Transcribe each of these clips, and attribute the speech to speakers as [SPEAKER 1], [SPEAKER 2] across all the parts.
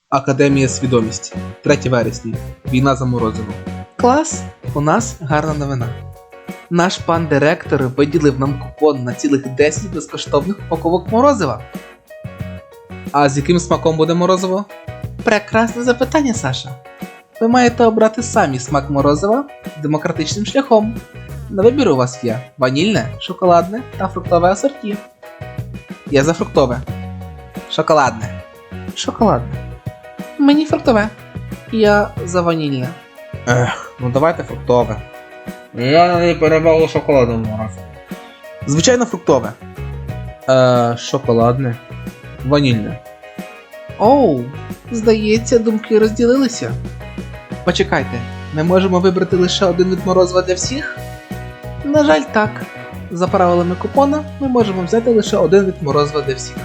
[SPEAKER 1] Академія свідомість. 3 вересня. Війна за морозиво. Клас, у нас гарна новина. Наш пан директор виділив нам купон на цілих 10 безкоштовних упаковок морозива. А з яким смаком буде морозиво? Прекрасне запитання, Саша. Ви маєте обрати самі смак морозива демократичним шляхом. На вибір у вас є ванільне, шоколадне та фруктове асорті. Я за фруктове. Шоколадне. Шоколадне. Мені фруктове. Я за ванільне. Ну давайте фруктове. Я не перебавлю шоколадне морозиво. Звичайно фруктове. Шоколадне. Ванільне. Оу, здається, думки розділилися. Почекайте, ми можемо вибрати лише один вид морозива для всіх? На жаль, так. За правилами купона ми можемо взяти лише один вид морозива для всіх.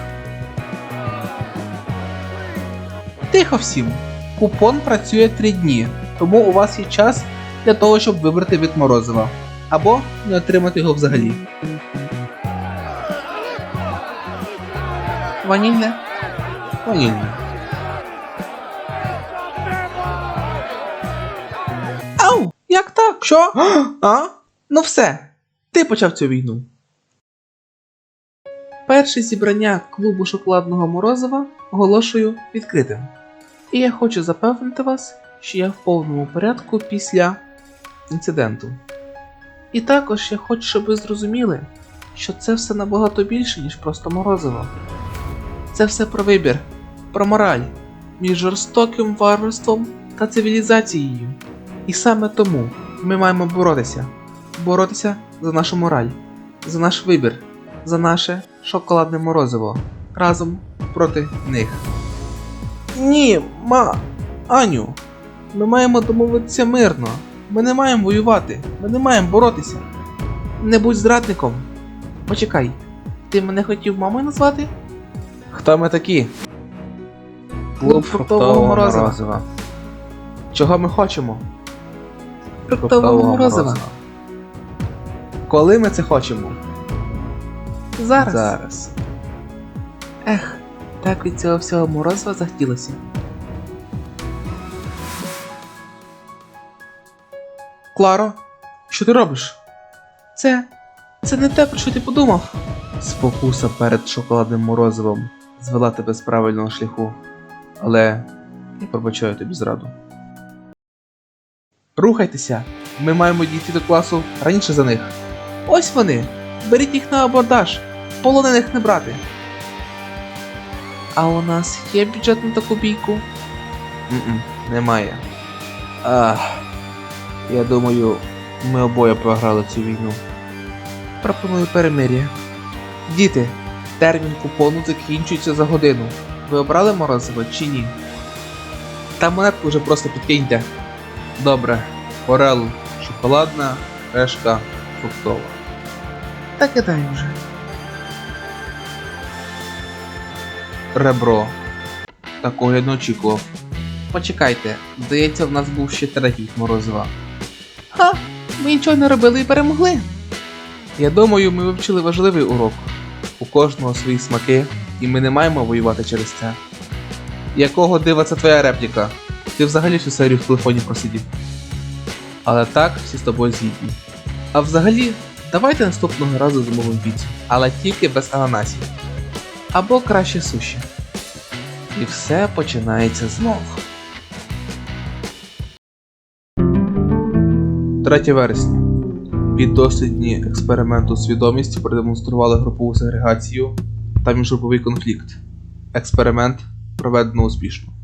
[SPEAKER 1] Тихо всім. Купон працює 3 дні, тому у вас є час для того, щоб вибрати вид морозива. Або не отримати його взагалі. Ванільне? Ванільне. Ау! Як так? Що? А? Ну все. Ти почав цю війну. Перше зібрання клубу шоколадного морозива оголошую відкритим. І я хочу запевнити вас, що я в повному порядку після інциденту. І також я хочу, щоб ви зрозуміли, що це все набагато більше, ніж просто морозиво. Це все про вибір, про мораль, між жорстоким варварством та цивілізацією. І саме тому ми маємо боротися. Боротися за нашу мораль, за наш вибір, за наше шоколадне морозиво. Разом проти них. Ні, Аню, ми маємо домовитися мирно. Ми не маємо воювати, ми не маємо боротися. Не будь зрадником. Почекай, ти мене хотів мамою назвати? Хто ми такі? Клуб фруктового морозива. Чого ми хочемо? Фруктового морозива. Коли ми це хочемо? Зараз. Ех, так від цього всього морозива захотілося. Кларо, що ти робиш? Це не те, про що ти подумав. Спокуса перед шоколадним морозивом звела тебе з правильного шляху. Але я пробачаю тобі зраду. Рухайтеся! Ми маємо дійти до класу раніше за них. Ось вони! Беріть їх на абордаж! Полонених не брати! А у нас є бюджет на таку бійку? Немає. Я думаю, ми обоє програли цю війну. Пропоную перемир'я. Діти, термін купону закінчується за годину. Ви обрали морозиво чи ні? Та монетку вже просто підкиньте. Добре. Орел шоколадна, решка фруктова. Та кидай вже. Ребро. Такого я не очікував. Почекайте, здається, в нас був ще третій морозива. Ха! Ми нічого не робили і перемогли. Я думаю, ми вивчили важливий урок. У кожного свої смаки, і ми не маємо воювати через це. Якого дива це твоя репліка? Ти взагалі всю серію в телефоні просидів. Але так, всі з тобою згідні. А взагалі, давайте наступного разу замовимо піцу, але тільки без ананасів. Або краще суші. І все починається знов. 3 вересня. Піддослідні експерименту свідомість продемонстрували групову сегрегацію та міжгруповий конфлікт. Експеримент проведено успішно.